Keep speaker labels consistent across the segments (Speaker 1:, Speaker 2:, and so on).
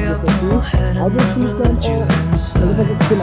Speaker 1: up in my head and never let you inside.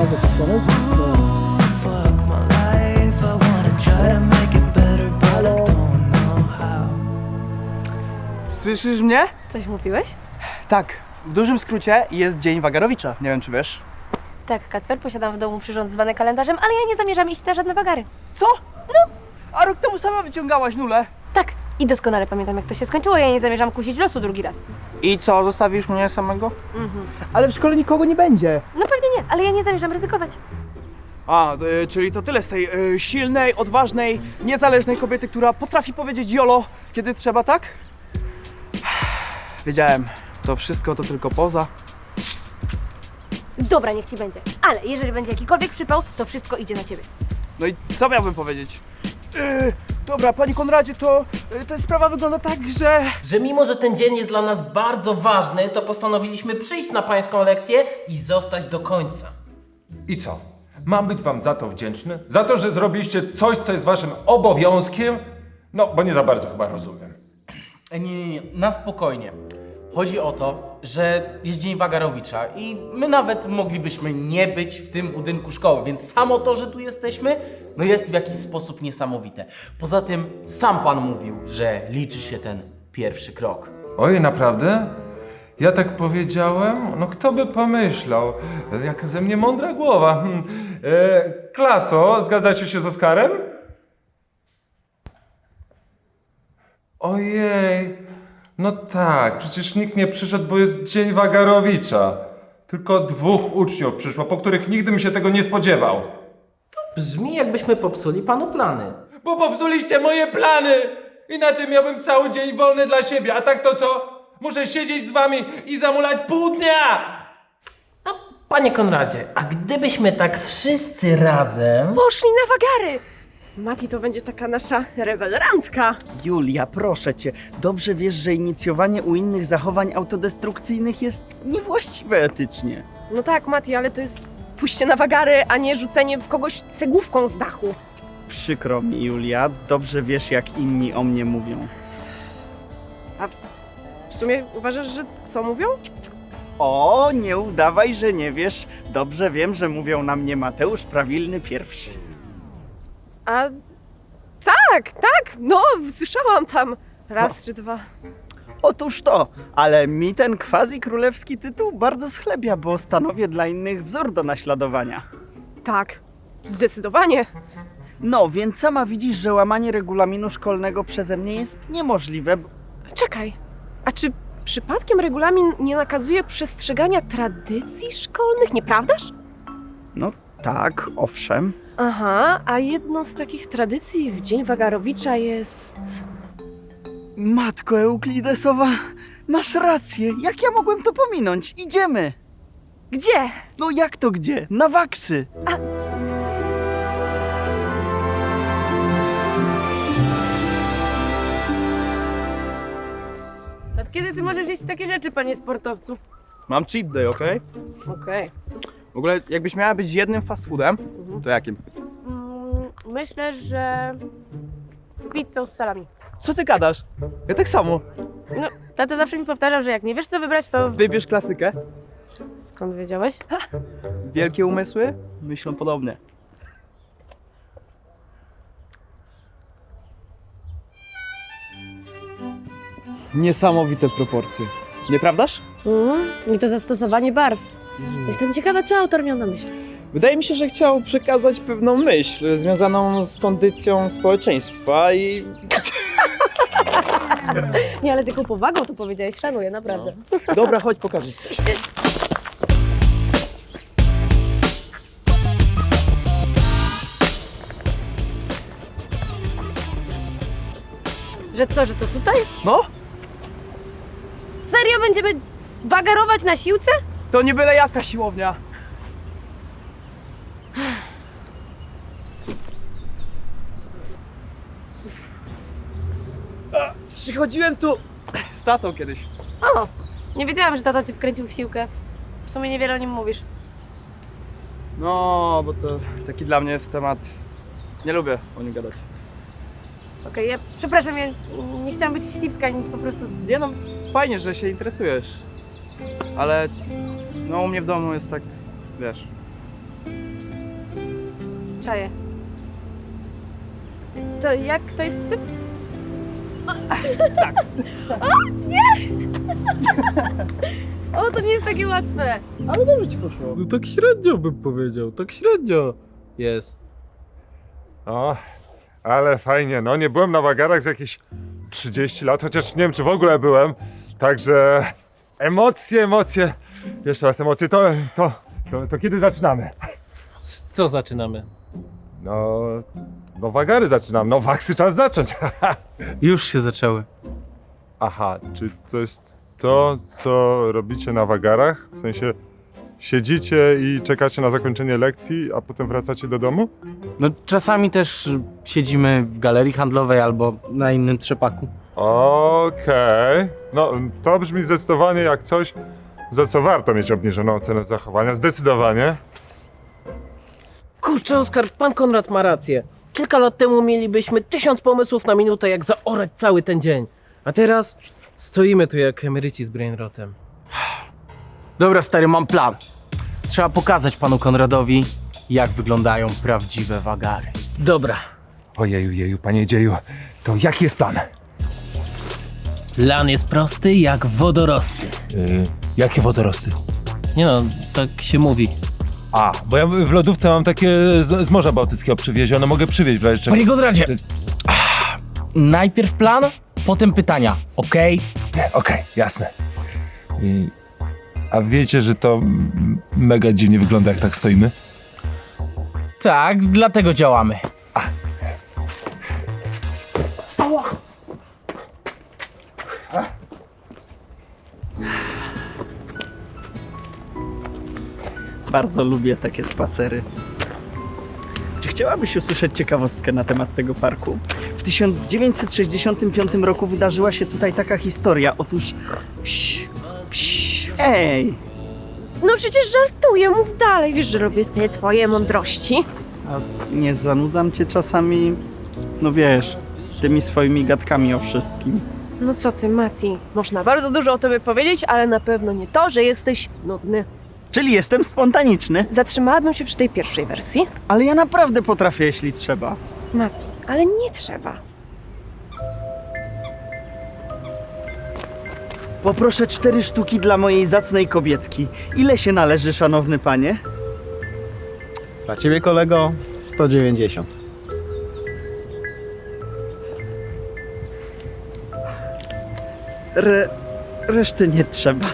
Speaker 1: Fuck my life, I wanna try to make it better, but I don't know how.
Speaker 2: Słyszysz mnie?
Speaker 3: Coś mówiłeś?
Speaker 2: Tak, w dużym skrócie jest Dzień Wagarowicza, nie wiem czy wiesz.
Speaker 3: Tak, Kacper, posiadam w domu przyrząd zwany kalendarzem, ale ja nie zamierzam iść na żadne wagary.
Speaker 2: Co? No! A rok temu sama wyciągałaś nulę.
Speaker 3: Tak, i doskonale pamiętam, jak to się skończyło, ja nie zamierzam kusić losu drugi raz.
Speaker 2: I co, zostawisz mnie samego? Ale w szkole nikogo nie będzie.
Speaker 3: No pewnie nie, ale ja nie zamierzam ryzykować.
Speaker 2: Czyli to tyle z tej silnej, odważnej, niezależnej kobiety, która potrafi powiedzieć jolo, kiedy trzeba, tak? Wiedziałem, to wszystko to tylko poza.
Speaker 3: Dobra, niech ci będzie, ale jeżeli będzie jakikolwiek przypał, to wszystko idzie na ciebie.
Speaker 2: No i co miałbym powiedzieć? Dobra, panie Konradzie, to ta sprawa wygląda tak, że
Speaker 4: Mimo, że ten dzień jest dla nas bardzo ważny, to postanowiliśmy przyjść na pańską lekcję i zostać do końca.
Speaker 5: I co? Mam być wam za to wdzięczny? Za to, że zrobiliście coś, co jest waszym obowiązkiem? No, bo nie za bardzo chyba rozumiem.
Speaker 4: Nie, na spokojnie. Chodzi o to, że jest Dzień Wagarowicza i my nawet moglibyśmy nie być w tym budynku szkoły, więc samo to, że tu jesteśmy, no jest w jakiś sposób niesamowite. Poza tym sam pan mówił, że liczy się ten pierwszy krok.
Speaker 5: Oj, naprawdę? Ja tak powiedziałem? No kto by pomyślał? Jaka ze mnie mądra głowa. Klaso, zgadzacie się z Oskarem? Ojej, no tak, przecież nikt nie przyszedł, bo jest Dzień Wagarowicza. Tylko 2 uczniów przyszło, po których nigdy bym się tego nie spodziewał.
Speaker 4: Brzmi, jakbyśmy popsuli panu plany.
Speaker 5: Bo popsuliście moje plany! Inaczej miałbym cały dzień wolny dla siebie, a tak to co? Muszę siedzieć z wami i zamulać pół dnia!
Speaker 4: Panie Konradzie, a gdybyśmy tak wszyscy razem...
Speaker 6: Poszli na wagary! Mati to będzie taka nasza rewelantka.
Speaker 7: Julia, proszę cię, dobrze wiesz, że inicjowanie u innych zachowań autodestrukcyjnych jest niewłaściwe etycznie.
Speaker 6: No tak, Mati, ale to jest pójście na wagary, a nie rzucenie w kogoś cegłówką z dachu.
Speaker 7: Przykro mi, Julia, dobrze wiesz, jak inni o mnie mówią.
Speaker 6: W sumie uważasz, że co mówią?
Speaker 7: O, nie udawaj, że nie wiesz. Dobrze wiem, że mówią na mnie Mateusz Prawilny pierwszy.
Speaker 6: A tak, no, słyszałam tam raz czy dwa.
Speaker 7: Otóż to, ale mi ten quasi-królewski tytuł bardzo schlebia, bo stanowię dla innych wzór do naśladowania.
Speaker 6: Tak, zdecydowanie.
Speaker 7: No, więc sama widzisz, że łamanie regulaminu szkolnego przeze mnie jest niemożliwe.
Speaker 6: Czekaj, a czy przypadkiem regulamin nie nakazuje przestrzegania tradycji szkolnych, nieprawdaż?
Speaker 7: No tak, owszem.
Speaker 6: Aha, a jedną z takich tradycji w Dzień Wagarowicza jest...
Speaker 7: Matko Euklidesowa, masz rację, jak ja mogłem to pominąć? Idziemy!
Speaker 6: Gdzie?
Speaker 7: No jak to gdzie? Na waksy!
Speaker 6: Od kiedy ty możesz jeść takie rzeczy, panie sportowcu?
Speaker 2: mam cheat day, okej?
Speaker 6: Okej.
Speaker 2: W ogóle jakbyś miała być jednym fast foodem, to jakim?
Speaker 6: Myślę, że pizzą z salami.
Speaker 2: Co ty gadasz? Ja tak samo.
Speaker 6: No, tata zawsze mi powtarzał, że jak nie wiesz co wybrać, to...
Speaker 2: Wybierz klasykę.
Speaker 6: Skąd wiedziałeś?
Speaker 2: Wielkie umysły myślą podobnie. Niesamowite proporcje. Nieprawdaż?
Speaker 6: I to zastosowanie barw. Jestem ciekawa, co autor miał na myśli.
Speaker 8: Wydaje mi się, że chciał przekazać pewną myśl związaną z kondycją społeczeństwa i...
Speaker 6: Nie, ale tylko powagą to powiedziałeś, szanuję, naprawdę.
Speaker 8: Dobra, chodź, pokażę ci coś.
Speaker 6: Że co, że to tutaj?
Speaker 2: No,
Speaker 6: Serio będziemy wagarować na siłce?
Speaker 2: to nie byle jaka siłownia. Przychodziłem tu z tatą kiedyś.
Speaker 6: O, nie wiedziałam, że tata cię wkręcił w siłkę. W sumie niewiele o nim mówisz.
Speaker 2: No, bo to taki dla mnie jest temat... Nie lubię o nim gadać.
Speaker 6: Okej, ja przepraszam, ja nie chciałam być wścibska, nic po prostu.
Speaker 2: Nie no, fajnie, że się interesujesz. ale no u mnie w domu jest tak, wiesz.
Speaker 6: Czaję. To jak to jest z tym? Tak. O, nie! O, to nie jest takie łatwe.
Speaker 8: Ale dobrze ci poszło.
Speaker 9: No tak średnio bym powiedział, tak średnio jest.
Speaker 5: O, ale fajnie, no nie byłem na wagarach z jakieś 30 lat, chociaż nie wiem, czy w ogóle byłem. Także emocje. Jeszcze raz emocje, to kiedy zaczynamy?
Speaker 9: Co zaczynamy?
Speaker 5: No wagary zaczynam, no waksy czas zacząć.
Speaker 4: Już się zaczęły.
Speaker 5: Aha, czy to jest to, co robicie na wagarach? W sensie siedzicie i czekacie na zakończenie lekcji, a potem wracacie do domu?
Speaker 4: No czasami też siedzimy w galerii handlowej albo na innym trzepaku.
Speaker 5: Okej. No, to brzmi zdecydowanie jak coś, za co warto mieć obniżoną ocenę zachowania. Zdecydowanie.
Speaker 9: Kurczę, Oskar, pan Konrad ma rację. Kilka lat temu mielibyśmy 1000 pomysłów na minutę, jak zaorać cały ten dzień. A teraz stoimy tu jak emeryci z brainrotem.
Speaker 4: Dobra, stary, mam plan. Trzeba pokazać panu Konradowi, jak wyglądają prawdziwe wagary.
Speaker 9: Dobra,
Speaker 5: Ojeju, panie dzieju, to jaki jest plan?
Speaker 9: plan jest prosty jak wodorosty.
Speaker 10: Jakie wodorosty?
Speaker 9: Nie no, tak się mówi.
Speaker 10: A, bo ja w lodówce mam takie z Morza Bałtyckiego przywiezione, mogę przywieźć w razie czego.
Speaker 4: Panie Konradzie! Najpierw plan, potem pytania, okej?
Speaker 10: Okej, jasne. A wiecie, że to mega dziwnie wygląda, jak tak stoimy?
Speaker 4: Tak, dlatego działamy.
Speaker 7: Bardzo lubię takie spacery. Czy chciałabyś usłyszeć ciekawostkę na temat tego parku? W 1965 roku wydarzyła się tutaj taka historia. Otóż... Ej!
Speaker 6: No przecież żartuję, mów dalej. Wiesz, że lubię te twoje mądrości.
Speaker 7: A nie zanudzam cię czasami? No wiesz, tymi swoimi gadkami o wszystkim.
Speaker 6: No co ty, Mati? Można bardzo dużo o tobie powiedzieć, ale na pewno nie to, że jesteś nudny.
Speaker 7: Czyli jestem spontaniczny,
Speaker 6: Zatrzymałabym się przy tej pierwszej wersji.
Speaker 7: ale ja naprawdę potrafię, jeśli trzeba.
Speaker 6: Mati, ale nie trzeba.
Speaker 7: Poproszę 4 sztuki dla mojej zacnej kobietki. Ile się należy, szanowny panie?
Speaker 8: Dla ciebie, kolego, 190.
Speaker 7: Reszty nie trzeba.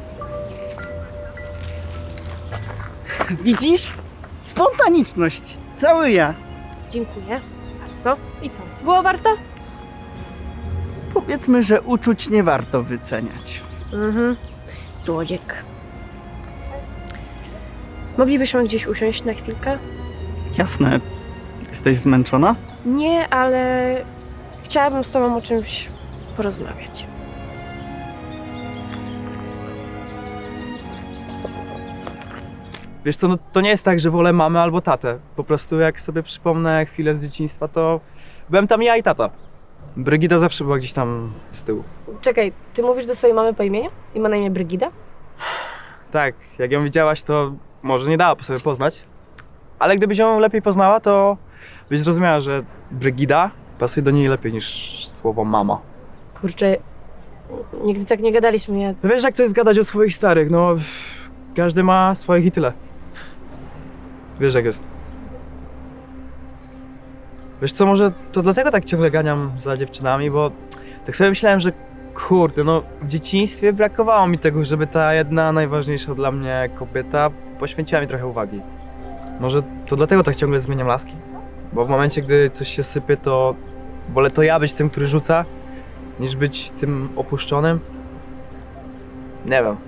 Speaker 7: Widzisz? Spontaniczność. Cały ja.
Speaker 6: Dziękuję bardzo. I co? Było warto?
Speaker 7: Powiedzmy, że uczuć nie warto wyceniać.
Speaker 6: Słodziek. Moglibyśmy gdzieś usiąść na chwilkę?
Speaker 7: Jasne. Jesteś zmęczona?
Speaker 6: Nie, ale chciałabym z tobą o czymś porozmawiać.
Speaker 2: Wiesz co, no to nie jest tak, że wolę mamę albo tatę. Po prostu jak sobie przypomnę chwilę z dzieciństwa, to byłem tam ja i tata. Brygida zawsze była gdzieś tam z tyłu.
Speaker 3: Czekaj, ty mówisz do swojej mamy po imieniu? I ma na imię Brygida?
Speaker 2: Tak, jak ją widziałaś, to może nie dała po sobie poznać. Ale gdybyś ją lepiej poznała, to byś zrozumiała, że Brygida pasuje do niej lepiej niż słowo mama.
Speaker 3: Kurczę, nigdy tak nie gadaliśmy. Ja...
Speaker 2: No wiesz, jak to jest gadać o swoich starych, no każdy ma swoich i tyle. Wiesz, jak jest. Wiesz co, może to dlatego tak ciągle ganiam za dziewczynami, bo tak sobie myślałem, że kurde, no w dzieciństwie brakowało mi tego, żeby ta jedna najważniejsza dla mnie kobieta poświęciła mi trochę uwagi. Może to dlatego tak ciągle zmieniam laski? Bo w momencie, gdy coś się sypie, to wolę to ja być tym, który rzuca, niż być tym opuszczonym. Nie wiem.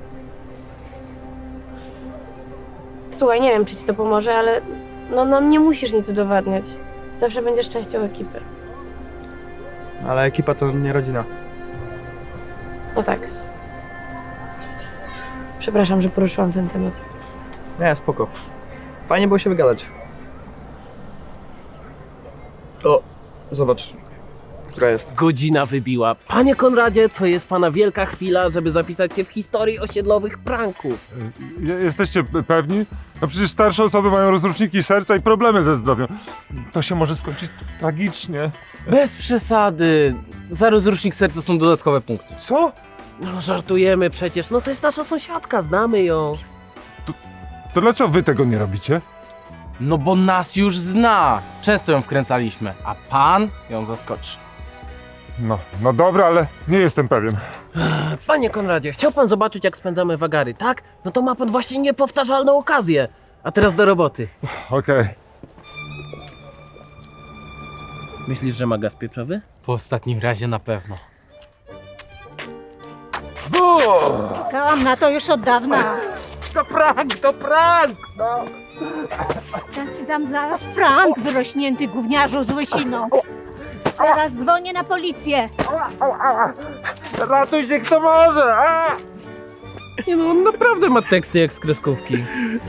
Speaker 3: Słuchaj, nie wiem, czy ci to pomoże, ale no nam nie musisz nic udowadniać. Zawsze będziesz częścią ekipy.
Speaker 2: Ale ekipa to nie rodzina.
Speaker 3: No tak. Przepraszam, że poruszyłam ten temat.
Speaker 2: Nie, spoko. Fajnie było się wygadać. O, zobacz. która jest?
Speaker 9: Godzina wybiła. Panie Konradzie, to jest pana wielka chwila, żeby zapisać się w historii osiedlowych pranków.
Speaker 5: Jesteście pewni? No przecież starsze osoby mają rozruszniki serca i problemy ze zdrowiem. To się może skończyć tragicznie.
Speaker 4: Bez przesady. Za rozrusznik serca są dodatkowe punkty.
Speaker 5: Co?
Speaker 9: No żartujemy przecież, no to jest nasza sąsiadka, znamy ją.
Speaker 5: To dlaczego wy tego nie robicie?
Speaker 4: No bo nas już zna. Często ją wkręcaliśmy, a pan ją zaskoczy.
Speaker 5: No dobra, ale nie jestem pewien.
Speaker 9: Panie Konradzie, chciał pan zobaczyć, jak spędzamy wagary, tak? No to ma pan właśnie niepowtarzalną okazję. A teraz do roboty.
Speaker 5: Okej.
Speaker 9: Myślisz, że ma gaz pieprzowy?
Speaker 4: Po ostatnim razie na pewno.
Speaker 11: Czekałam na to już od dawna.
Speaker 9: To prank! No.
Speaker 11: Ja ci dam zaraz prank, wyrośnięty gówniarzu z łysiną. Zaraz dzwonię na policję.
Speaker 9: Ratuj się kto może! Nie no, on naprawdę ma teksty jak z kreskówki.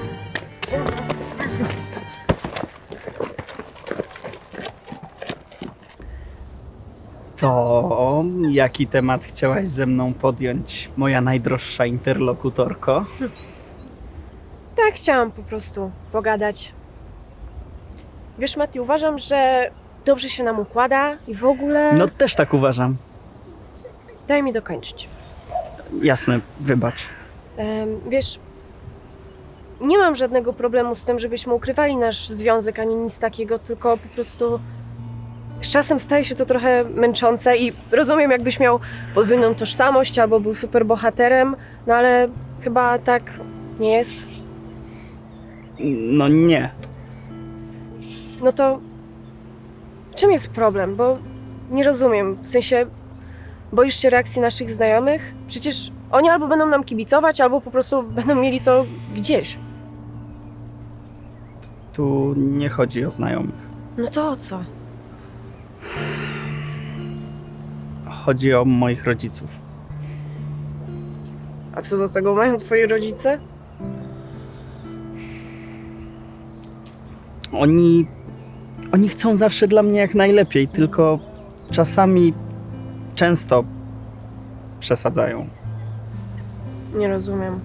Speaker 7: To jaki temat chciałaś ze mną podjąć, moja najdroższa interlokutorko?
Speaker 3: Tak, chciałam po prostu pogadać. Wiesz, Mati, uważam, że dobrze się nam układa i w ogóle...
Speaker 7: No też tak uważam.
Speaker 3: Daj mi dokończyć.
Speaker 7: Jasne, wybacz.
Speaker 3: Wiesz, nie mam żadnego problemu z tym, żebyśmy ukrywali nasz związek, ani nic takiego, tylko po prostu z czasem staje się to trochę męczące i rozumiem, jakbyś miał podwójną tożsamość albo był superbohaterem, no ale chyba tak nie jest.
Speaker 7: No nie.
Speaker 3: No to w czym jest problem? Bo nie rozumiem, w sensie boisz się reakcji naszych znajomych? Przecież oni albo będą nam kibicować, albo po prostu będą mieli to gdzieś.
Speaker 7: Tu nie chodzi o znajomych.
Speaker 3: No to o co?
Speaker 7: Chodzi o moich rodziców.
Speaker 3: A co do tego mają twoi rodzice?
Speaker 7: Oni chcą zawsze dla mnie jak najlepiej, tylko czasami, często przesadzają.
Speaker 3: Nie rozumiem.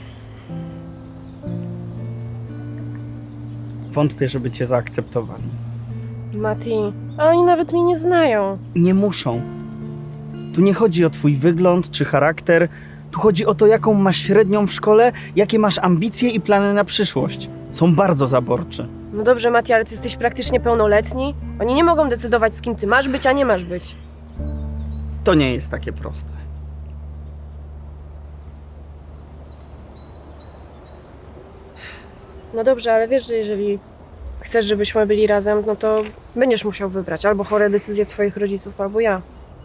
Speaker 7: Wątpię, żeby cię zaakceptowali.
Speaker 3: Mati, ale oni nawet mnie nie znają.
Speaker 7: Nie muszą. Tu nie chodzi o twój wygląd czy charakter. Tu chodzi o to, jaką masz średnią w szkole, jakie masz ambicje i plany na przyszłość. Są bardzo zaborczy.
Speaker 3: No dobrze, Mati, ale ty jesteś praktycznie pełnoletni. Oni nie mogą decydować, z kim ty masz być, a nie masz być.
Speaker 7: To nie jest takie proste.
Speaker 3: No dobrze, ale wiesz, że jeżeli chcesz, żebyśmy byli razem, no to będziesz musiał wybrać albo chore decyzje twoich rodziców, albo ja.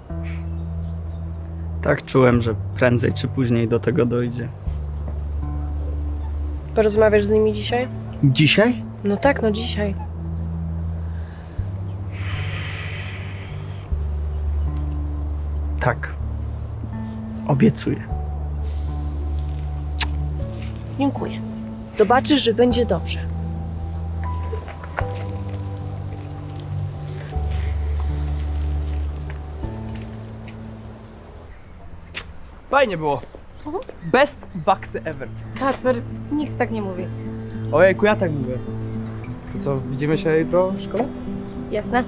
Speaker 7: Tak czułem, że prędzej czy później do tego dojdzie.
Speaker 3: Porozmawiasz z nimi dzisiaj?
Speaker 7: Dzisiaj?
Speaker 3: No tak, no dzisiaj.
Speaker 7: Tak. Obiecuję.
Speaker 3: Dziękuję. Zobaczysz, że będzie dobrze.
Speaker 2: Fajnie było. Best waksy ever.
Speaker 3: Kacper, nikt tak nie mówi.
Speaker 2: Ojejku, ja tak mówię. To co, widzimy się jutro w szkole?
Speaker 3: Jasne?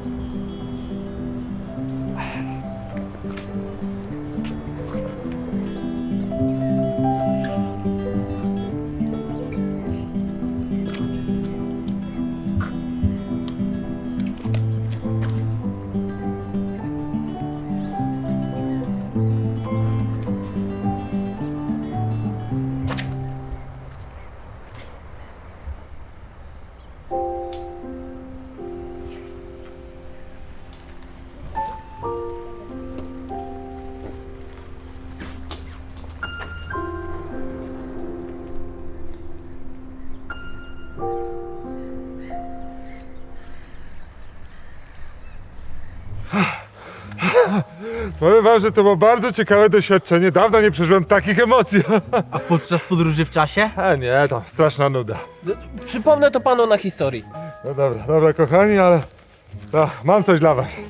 Speaker 5: Powiem wam, że to było bardzo ciekawe doświadczenie. Dawno nie przeżyłem takich emocji.
Speaker 4: A podczas podróży w czasie?
Speaker 5: A nie, to straszna nuda.
Speaker 9: Przypomnę to panu na historii.
Speaker 5: No dobra, kochani, ale mam coś dla was.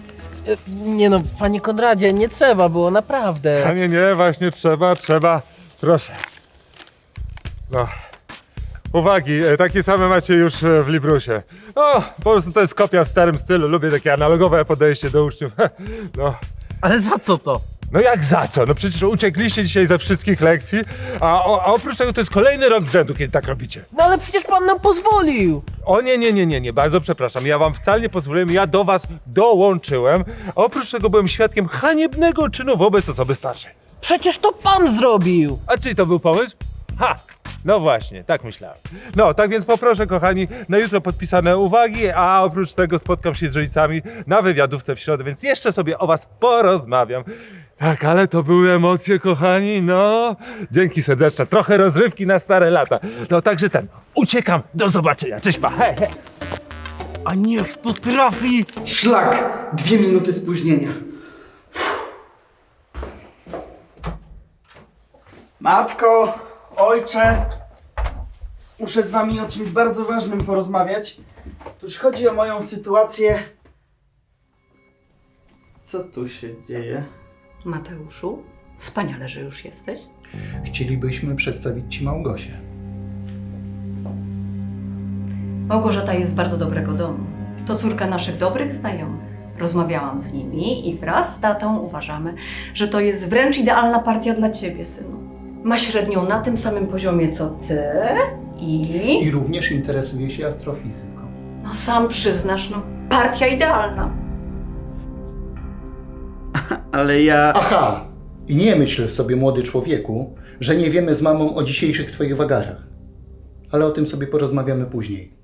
Speaker 9: Nie no, panie Konradzie, nie trzeba było, naprawdę.
Speaker 5: A nie, właśnie trzeba. Proszę. No. Uwagi, takie same macie już w Librusie. No, po prostu to jest kopia w starym stylu. Lubię takie analogowe podejście do uczniów. No.
Speaker 9: Ale za co to?
Speaker 5: No jak za co? No przecież uciekliście dzisiaj ze wszystkich lekcji, a oprócz tego to jest kolejny rok z rzędu, kiedy tak robicie.
Speaker 9: No ale przecież pan nam pozwolił.
Speaker 5: O nie, bardzo przepraszam, ja wam wcale nie pozwoliłem, ja do was dołączyłem, a oprócz tego byłem świadkiem haniebnego czynu wobec osoby starszej.
Speaker 9: Przecież to pan zrobił.
Speaker 5: A czyj to był pomysł? Ha! No właśnie, tak myślałem. No, tak więc poproszę, kochani, na jutro podpisane uwagi, a oprócz tego spotkam się z rodzicami na wywiadówce w środę, więc jeszcze sobie o was porozmawiam. Tak, ale to były emocje, kochani, no. Dzięki serdeczne, trochę rozrywki na stare lata. No, także uciekam, do zobaczenia, cześć pa, he, he.
Speaker 7: A niech to trafi!
Speaker 12: Szlak! 2 minuty spóźnienia.
Speaker 7: Matko, ojcze, muszę z wami o czymś bardzo ważnym porozmawiać. Tuż chodzi o moją sytuację. Co tu się dzieje?
Speaker 13: Mateuszu, wspaniale, że już jesteś.
Speaker 12: Chcielibyśmy przedstawić Ci Małgosię.
Speaker 13: Małgorzata jest z bardzo dobrego domu. To córka naszych dobrych znajomych. Rozmawiałam z nimi i wraz z tatą uważamy, że to jest wręcz idealna partia dla ciebie, synu. Ma średnią na tym samym poziomie co ty
Speaker 12: I również interesuje się astrofizyką.
Speaker 13: No sam przyznasz, no partia idealna.
Speaker 7: Ale ja...
Speaker 12: Aha! I nie myśl sobie, młody człowieku, że nie wiemy z mamą o dzisiejszych Twoich wagarach. Ale o tym sobie porozmawiamy później.